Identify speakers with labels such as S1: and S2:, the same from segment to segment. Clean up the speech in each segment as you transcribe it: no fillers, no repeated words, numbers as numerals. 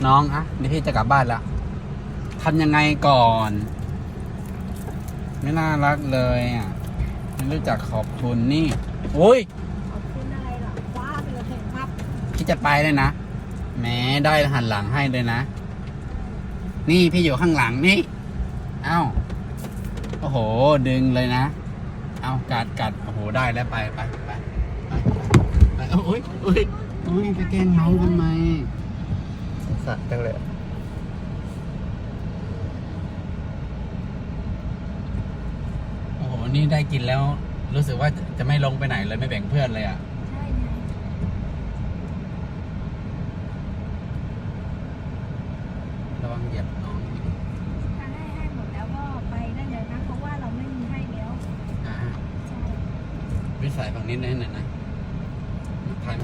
S1: น้องอะเดี๋ยวพี่จะกลับบ้านแล้วทำยังไงก่อน ไม่น่ารักเลยอ่ะไม่รู้จักขอบคุณนี่โอ้ย
S2: ขอบคุณอะไรล่ะว้าไปเลยเห็นมับ
S1: พี่จะไปเลยนะแหม้ได้หันหลังให้เลยนะนี่พี่อยู่ข้างหลังนี่เอ้าโอ้โหดึงเลยนะเอากัดโอ้โหได้แล้วไปโอ้ยไปแกล้งน้องทำไม
S3: สัตว์จังเลย
S1: โอ้โหนี่ได้กินแล้ว รู้สึกว่าจะไม่ลงไปไหนเลยไม่แบ่งเพื่อนเลยอ่ะ
S2: ใช่ไง
S1: ระวังเหยียบน้อง
S2: ถ้าให้หมดแล้วก็ไปได้เลยนะเพราะว่าเราไม่มีให้แล้ว
S1: อ่า
S2: ใช่
S1: วิสัยฝั่งนี้หน่อยนะถ่าย
S2: จ้ะ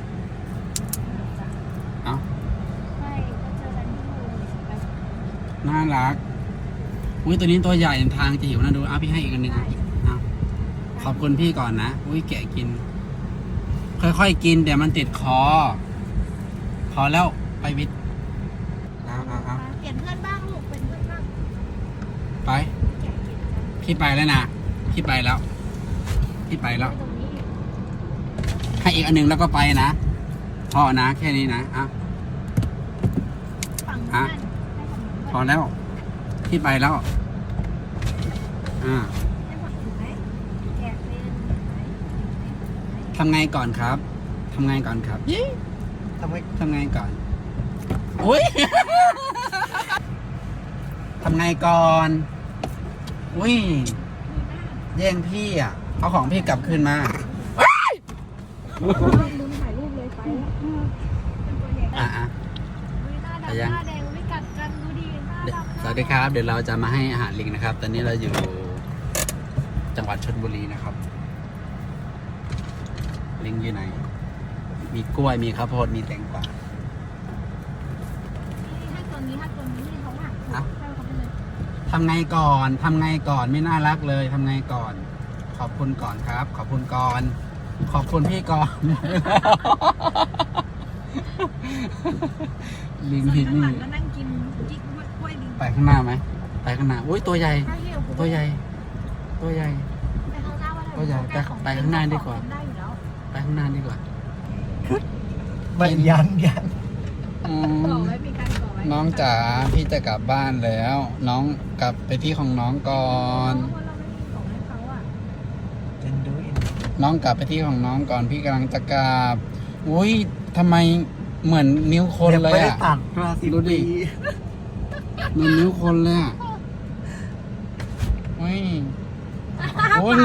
S1: เอ้า
S2: ไม่ก็เจอกันที่นู่นไป
S1: น่ารักอุ้ยตัวนี้ตัวใหญ่ทางจะหิวนะดูเอาพี่ให้อีกอันหนึ่งเอาขอบคุณพี่ก่อนนะอุ้ยแกะกิน ค่อยๆกินเดี๋ยวมันติดคอพอแล้วไปวิทย์เอา
S2: เปลี่ยนเพื่อนบ้างลูกเป็นเพื่อนบ้าง
S1: ไป
S2: แกะกินกัน
S1: พี่ไปแล้วนะพี่ไปแล้วพี่ไปแล้ว
S2: ตรงนี้
S1: ให้อีกอันหนึ่งแล้วก็ไปนะพอนะแค่นี้นะอ่ะ
S2: ฝั่ง
S1: อ่ะ
S2: นั้นให้ฝั่งนู้น
S1: พอแล้วพี่ไปแล้ว
S2: ให้
S1: อ่า
S2: ฝั่งนู้นไหมแกะเป็นไหม
S1: ทำไงก่อนครับทำไงก่อนครับ
S3: ทำไม
S1: ทำไงก่อนอุ้ย ทำไงก่อนอุ้ย
S2: มีหน้า
S1: แย่งพี่อ่ะเอาของพี่กลับคืนมา
S2: ลืมถ่ายรูปเลยไปแล้วเป็นตัวใหญ่
S1: อ่ะ
S2: อุ๊ยหน้า
S1: ไป
S2: ดำ
S1: ยัง
S2: หน้าแดงไม่กัดกันดูดีหน้าดำ
S1: สวัสดีครับ เดี๋ยวเราจะมาให้อาหารลิงนะครับ ตอนนี้เราอยู่จังหวัดชลบุรีนะครับ ลิงอยู่ไหน มีกล้วยมีข้าวโพดมีแตงกวา
S2: ให้ตัวนี้ที่เขาหักให้เขาไปเลย
S1: ทำไงก่อนทำไงก่อนไม่น่ารักเลยทำไงก่อน ขอบคุณก่อนครับ ขอบคุณก่อน ขอบคุณพี่ก่อน ลิง
S2: ส่วน
S1: ที่
S2: ข้างห
S1: นี่
S2: ลังก็นั่งกินจิ๊กกล้วยลิง
S1: ไปข้างหน้าไหมไปข้างหน้าอุ้ยตัวใหญ่
S2: ถ้าเหี่ยว
S1: ตัวใหญ่ ตัวใหญ่
S2: ไปข้างหน้าว่า
S1: ตัวใหญ่ไปข้างหน้าดีกว่า
S2: ได้อยู่แล้ว
S1: ไปข้างหน้าดีกว่า
S3: ไม่ยัน
S1: อื
S2: ก่อ
S1: ม
S2: ไว้มีการก่อไว้
S1: น้องจ๋าพี่จะกลับบ้านแล้ว น้องกลับไปที่ของน้องก่อน
S2: เพราะเราไม่มีของให้เขาอ่ะ
S3: เจนดูอิน
S1: น้องกลับไปที่ของน้องก่อนพี่กำลังจะกลับอุ้ยทำไมเหมือนนิ้วคนเลย
S3: ไม่ได้
S1: อ่ะ
S3: ตัดมาสิ
S1: ดูดิ
S3: ปี
S1: เหมือนนิ้วคนเลยอ่ะอุ้ยโอ้ย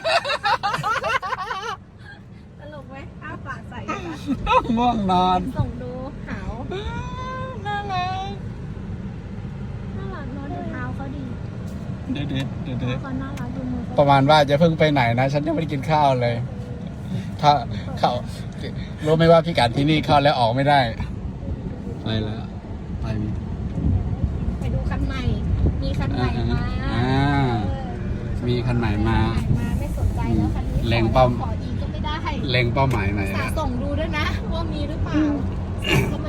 S2: ตลกไหมอ้าปากใส่กัน
S1: ง่วงนอน
S2: ส่งดูหาว
S1: น่ารัก
S2: น่ารักเนอะดูเท้าเขาดี
S1: เด็ด
S2: เขาน่ารักดูมือ
S1: ป
S2: เขา
S1: ระมาณว่าจะเพิ่งไปไหนนะ ฉันยังไม่ได้กินข้าวเลย ถ้าเข้ารู้ไหมว่าพี่กัดที่นี่เข้าแล้วออกไม่ได้ไปแล้วไปมี
S2: ไปดูคันใหม่ มีคันใหม่มา
S1: มีคันใหม่มา
S2: ไม่สนใจแล้วคันนี้
S1: เล็งเป้า
S2: ขออีกก็ไม่ได้
S1: เล็งเป้าหมายไหน
S2: สา
S1: อะ
S2: ส่งดูด้วยนะว่ามีหรือเปล่าส่งเข้ามา